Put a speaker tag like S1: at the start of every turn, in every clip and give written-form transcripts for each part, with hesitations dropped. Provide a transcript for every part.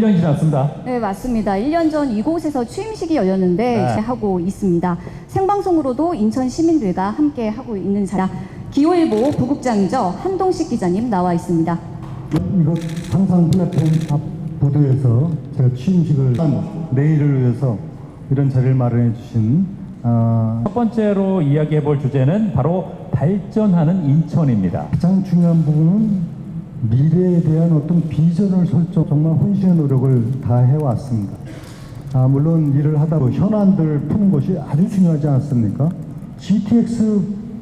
S1: 1년이 지났습니다.
S2: 네, 맞습니다. 1년 전 이곳에서 취임식이 열렸는데
S1: 네.
S2: 이제 하고 있습니다. 생방송으로도 인천 시민들과 함께 하고 있는 자라 기호일보 부국장이죠. 한동식 기자님 나와 있습니다.
S3: 이곳 상상 플랫폼 앞 보도에서 제가 취임식을 한 내일을 위해서 이런 자리를 마련해 주신
S1: 첫 번째로 이야기해 볼 주제는 바로 발전하는 인천입니다.
S3: 가장 중요한 부분은 미래에 대한 어떤 비전을 설정, 정말 혼신의 노력을 다 해왔습니다. 물론 일을 하다 보면 현안들 푸는 것이 아주 중요하지 않습니까? GTX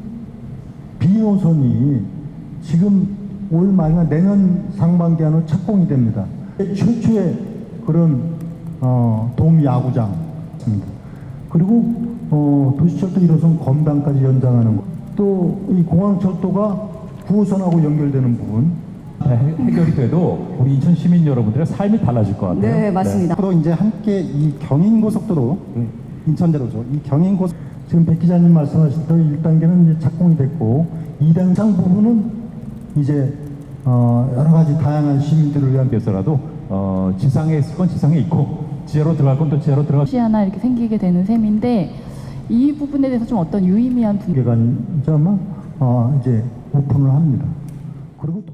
S3: B노선이 지금 올 말이나 내년 상반기 안으로 착공이 됩니다. 최초의 그런 도움 야구장입니다. 그리고 도시철도 1호선 검단까지 연장하는 것. 또 이 공항철도가 9호선하고 연결되는 부분.
S1: 해결이 돼도 우리 인천 시민 여러분들의 삶이 달라질 것 같아요.
S2: 네, 맞습니다.
S3: 앞으로 이제 함께 이 경인고속도로 인천대로죠. 이 경인고속 지금 백 기자님 말씀하신 대로 1단계는 이제 착공이 됐고 2단상 부분은 이제 여러 가지 다양한 시민들을 위한
S1: 위해서라도 지상에 있을 건 지상에 있고 지하로 들어갈 건 또 지하로 들어갈.
S4: 곳이 하나 이렇게 생기게 되는 셈인데 이 부분에 대해서 좀 어떤 유의미한
S3: 개관이 아마 이제 오픈을 합니다. 그리고 또